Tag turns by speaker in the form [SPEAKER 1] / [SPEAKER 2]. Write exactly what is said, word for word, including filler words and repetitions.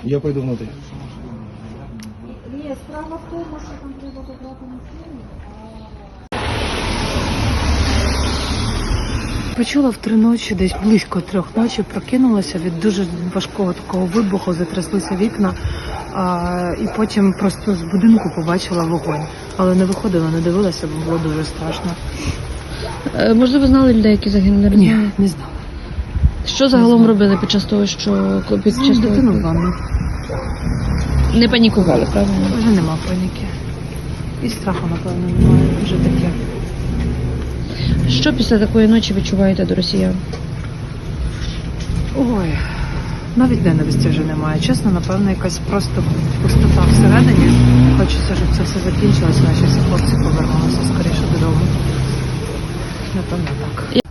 [SPEAKER 1] Я пойду внутрь.
[SPEAKER 2] Ні, справа в тому, що там треба забрати на фільм.
[SPEAKER 3] Почула в три ночі, десь близько трьох ночі, прокинулася від дуже важкого такого вибуху, затряслися вікна, а, і потім просто з будинку побачила вогонь. Але не виходила, не дивилася, бо було дуже страшно.
[SPEAKER 4] Е, Можливо, знали людей, які загинули?
[SPEAKER 3] Ні, не знала.
[SPEAKER 4] Що загалом робили під час того, що під час того?
[SPEAKER 3] Дитину в ванну.
[SPEAKER 4] Не панікували, правильно?
[SPEAKER 3] Вже нема паніки. І страху, напевно, немає. Вже таке.
[SPEAKER 4] Що після такої ночі відчуваєте до росіян?
[SPEAKER 3] Ой, навіть ненависті вже немає. Чесно, напевно, якась просто пустота всередині. Хочеться, щоб це все закінчилося, наші всі хлопці повернулися скоріше додому. Напевно, так.